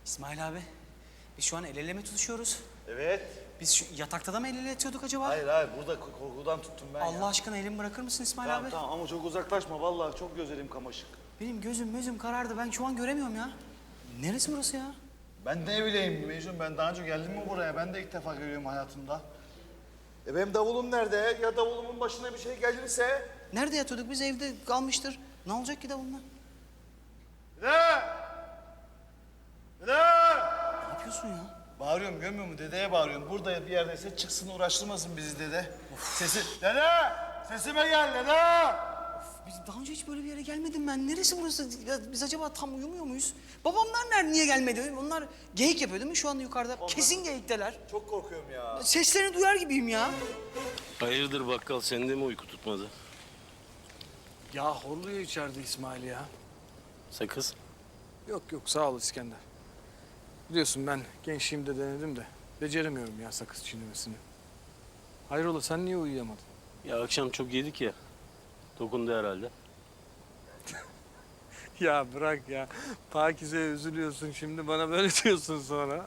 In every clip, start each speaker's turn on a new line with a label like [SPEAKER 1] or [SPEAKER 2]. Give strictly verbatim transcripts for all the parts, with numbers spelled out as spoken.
[SPEAKER 1] İsmail abi, biz şu an el ele mi tutuşuyoruz?
[SPEAKER 2] Evet.
[SPEAKER 1] Biz şu yatakta da mı el ele yatıyorduk acaba?
[SPEAKER 2] Hayır hayır burada korkudan tuttum ben
[SPEAKER 1] Allah
[SPEAKER 2] ya.
[SPEAKER 1] aşkına elimi bırakır mısın İsmail
[SPEAKER 2] Tamam
[SPEAKER 1] abi?
[SPEAKER 2] tamam ama çok uzaklaşma vallahi çok gözlerim kamaşık.
[SPEAKER 1] Benim gözüm gözüm karardı. Ben şu an göremiyorum ya. Neresi burası ya?
[SPEAKER 2] Ben ne bileyim Mecnun, ben daha önce geldim mi buraya? Ben de ilk defa görüyorum hayatımda. E benim davulum nerede? Ya davulumun başına bir şey gelirse?
[SPEAKER 1] Nerede yatıyorduk? Biz evde kalmıştır. Ne olacak ki de bunlar?
[SPEAKER 2] Dede! Dede!
[SPEAKER 1] Ne yapıyorsun ya?
[SPEAKER 2] Bağırıyorum, görmüyor musun? Dedeye bağırıyorum. Burada bir yerdeyse çıksın uğraştırmasın bizi dede. Sesi... Dede! Sesime gel dede!
[SPEAKER 1] Biz daha önce hiç böyle bir yere gelmedim ben. Neresi burası? Ya biz acaba tam uyumuyor muyuz? Babamlar nerede, niye gelmedi? Onlar geyik yapıyor değil mi şu anda yukarıda? Kesin geyikteler.
[SPEAKER 2] Çok korkuyorum ya.
[SPEAKER 1] Seslerini duyar gibiyim ya.
[SPEAKER 3] Hayırdır bakkal, sende mi uyku tutmadı?
[SPEAKER 4] Ya horluyor içeride İsmail ya.
[SPEAKER 3] Sakız?
[SPEAKER 4] Yok yok sağ ol İskender. Biliyorsun ben gençliğimde denedim de beceremiyorum ya sakız çiğnemesini. Hayrola sen niye uyuyamadın?
[SPEAKER 3] Ya akşam çok yedik ya. Dokundu herhalde.
[SPEAKER 4] Ya bırak ya. Pakize'ye üzülüyorsun şimdi bana böyle diyorsun sonra.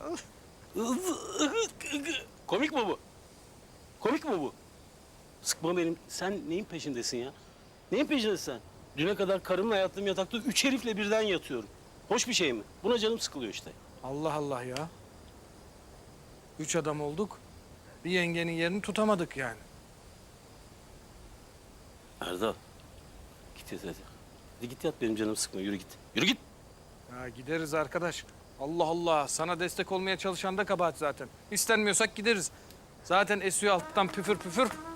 [SPEAKER 3] Komik mi bu? Komik mi bu? Sıkma benim. Sen neyin peşindesin ya? Neyin peşindesin sen? Düne kadar karımla yattığım yatakta üç herifle birden yatıyorum. Hoş bir şey mi? Buna canım sıkılıyor işte.
[SPEAKER 4] Allah Allah ya. Üç adam olduk. Bir yengenin yerini tutamadık yani.
[SPEAKER 3] Erdal. Git yat hadi. Hadi git yat, benim canım sıkma. Yürü git. Yürü git.
[SPEAKER 4] Ya gideriz arkadaş. Allah Allah. Sana destek olmaya çalışan da kabahat zaten. İstenmiyorsak gideriz. Zaten esiyor alttan püfür püfür.